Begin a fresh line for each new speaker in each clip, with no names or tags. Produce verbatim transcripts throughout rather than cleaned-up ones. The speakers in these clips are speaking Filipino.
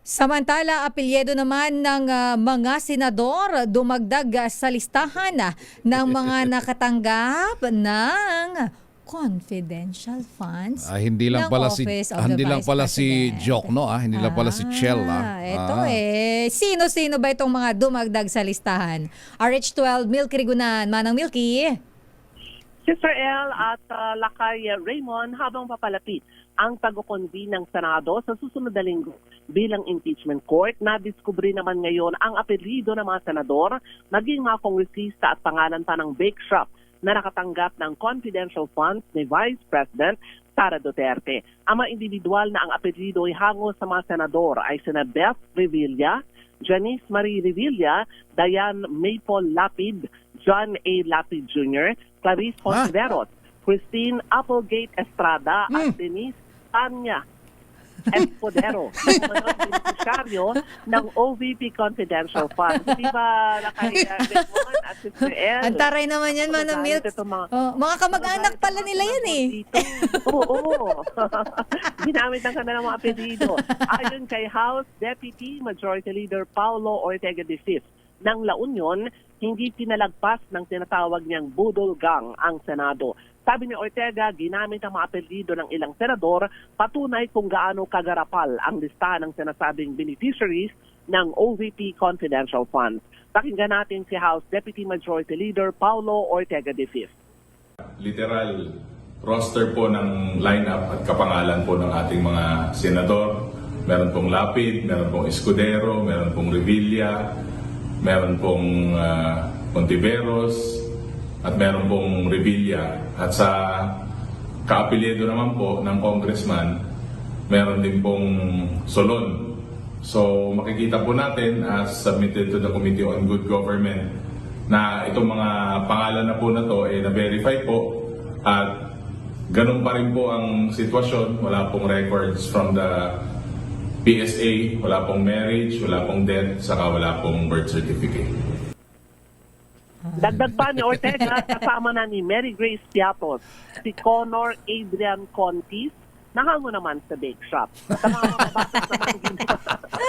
Samantala, apelyido naman ng ah, mga senador dumagdag ah, sa listahan ah, ng mga nakatanggap ng confidential funds
Ah, hindi lang
ng
pala si
Office of
ah,
the
hindi lang
Vice
pala si
President.
Joke, no? Ah, hindi lang pala si Chell, ah.
Ito
Ah.
eh. Sino-sino ba itong mga dumagdag sa listahan? R H twelve, Milky Rigunan. Manang Milky.
Sister El at uh, Lakay Raymond habang papalapit ang pag-convene ng Senado sa susunod na linggo bilang impeachment court, nadiskubre naman ngayon ang apelyido ng mga senador, maging mga kongresista at pangalan pa ng bake shop na nakatanggap ng confidential funds ni Vice President Sara Duterte. Ang mga individual na ang apelyido ay hango sa mga senador ay sina Beth Revilla, Janice Marie Revilla, Diane Maple Lapid, John A. Lapid Junior, Clarice Fontiveros, Christine Applegate Estrada at Denise Tanya Espodero, mga beneficiaryo ng O V P Confidential Fund. Di ba, Lakay Raymond at Sister El?
Ang taray naman yan, Manang Milk.
Mga,
Oh, mga kamag-anak pala nila yan eh.
Oo, oo. Ginamit ng kanilang mga apelido. Ayon kay House Deputy Majority Leader Paulo Ortega de Cis ng La Union, hindi pinalagpas ng tinatawag niyang budol gang ang Senado. Sabi ni Ortega, ginamit ang mga apelyido ng ilang senador, patunay kung gaano kagarapal ang listahan ng sinasabing beneficiaries ng O V P Confidential Funds. Pakinggan natin si House Deputy Majority Leader Paulo Ortega de Cis.
Literal roster po ng lineup at kapangalan po ng ating mga senador. Meron pong Lapid, meron pong Escudero, meron pong Revilla, meron pong uh, Pontiveros, at meron pong Revilla. At sa kaapelyido naman po ng congressman, meron din pong Solon. So makikita po natin as submitted to the Committee on Good Government na itong mga pangalan na po na to ay na-verify po at ganun pa rin po ang sitwasyon. Wala pong records from the P S A, wala pong marriage, wala pong death, saka wala pong birth certificate.
Dagdag pa ni Ortega, kasama na ni Mary Grace Piatos, si Connor Adrian Contis, nahango naman sa bake shop. Sa mga mabatas naman ginawa.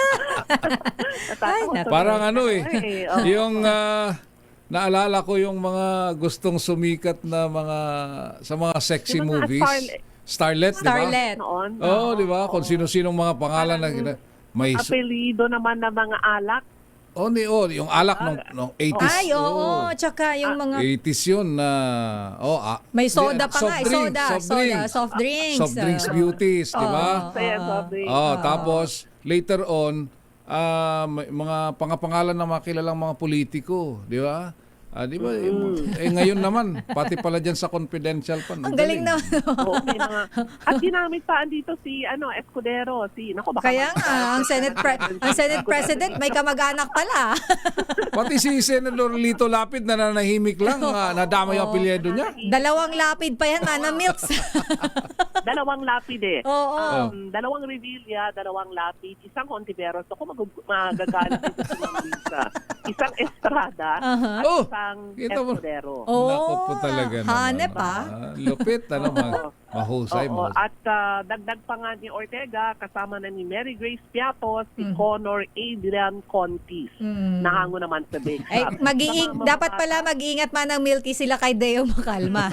Ay, naku.
Parang ano eh,
Ay, oo.
yung ah, naalala ko yung mga gustong sumikat na mga sa mga sexy
Yung mga
movies.
starlet.
Starlet, di ba?
Starlet.
Noon.
Oo, di ba? Kung sino-sinong mga pangalan na gina- may
Apelido naman ng mga alak.
oh, ni oh, yung alak nung nung eighties.
Ay, oo. Tsaka yung mga
eighties yun na oh, ah,
may soda
di-
pa nga. eh,
soft drink,
Soda,
soft
soda,
drink.
soft drinks.
Soft drinks
ah.
beauties, di ba?
So, yan, sabi.
Oh, tapos later on ah, may mga pangapangalan ng mga kilalang mga politiko, di ba? Ah, di ba? Eh ngayon naman, pati pala diyan sa confidential pa.
Ang galing naman.
Oo, may mga, at ginamit pa andito si ano Escudero, si nako baka
Kaya nga, ang Senate, pre- ang Senate President may kamag-anak pala.
Pati si Senador Lito Lapid na nanahimik lang, ah, nadama yung apelyido niya.
Dalawang lapid pa yan, Manang Milks.
dalawang lapid eh.
Oo.
Um, dalawang Revilla, dalawang lapid, isang Contiveros. Ako mag- magagalit dito sa mga Lisa. Isang Estrada, at
Oh,
isang
kita mo.
Escudero.
Oo.
Naku po talaga naman.
Hanep ah.
Ah, lupit, ano, ma- mahusay,
Oo,
mahusay.
at ah, dagdag pa nga ni Ortega, kasama na ni Mary Grace Piatos, si Connor Adrian Contis. Nahango naman sa bake
Ay,
shop.
mag-iing,
Sa mga
dapat pala mag-iingat Manang Milky sila kay Deo Makalma.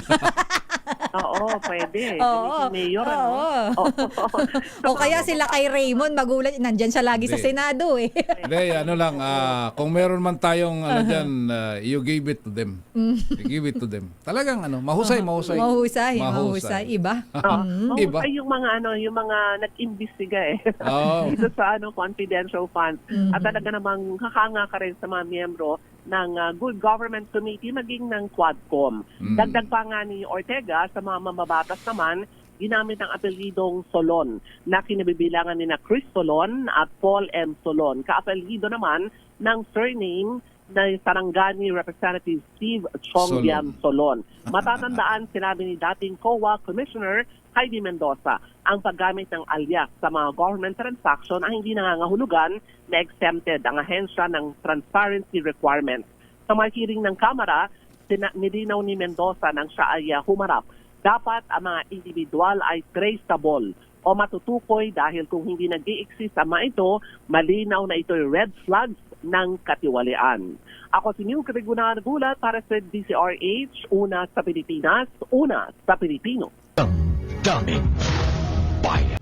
Oo, pwede.
Oo.
Si Mayor, ano?
Oo.
Oo.
O kaya sila kay Raymond, magulat. Nandyan siya lagi sa
Hindi.
Senado eh.
Hindi, ano lang, ah, kung meron man tayong ano dyan, ah, you give it to them. You give it to them. Talagang ano, mahusay, mahusay.
Mahusay, mahusay. Iba.
Oo.
Iba.
Ay, yung mga ano, yung mga nag-imbestiga eh.
Oo.
Dito sa ano, confidential funds. At talaga namang kakanga ka rin sa mga miyembro ng uh, Good Government Committee maging ng Quadcom. Dagdag pa nga ni Ortega sa mga mamabatas naman, ginamit ang apelidong Solon na kinabibilangan ni na Chris Solon at Paul M. Solon. Kaapelido naman ng surname na Sarangani Representative Steve Chongbian Solon. Matatandaan, sinabi ni dating C O A Commissioner Heidi Mendoza, ang paggamit ng alias sa mga government transaction ang hindi nangangahulugan na exempted ang ahensya ng transparency requirements. Sa mga hearing ng Kamara, nilinaw ni Mendoza nang siya ay uh, humarap. Dapat ang mga individual ay traceable o matutukoy dahil kung hindi nag-i-exist ang mga ito, malinaw na ito'y red flags ng katiwalian. Ako si Neil Categunan Gulat para sa D C R H, una sa Pilipinas, una sa Pilipino.
Damdamin Bayan.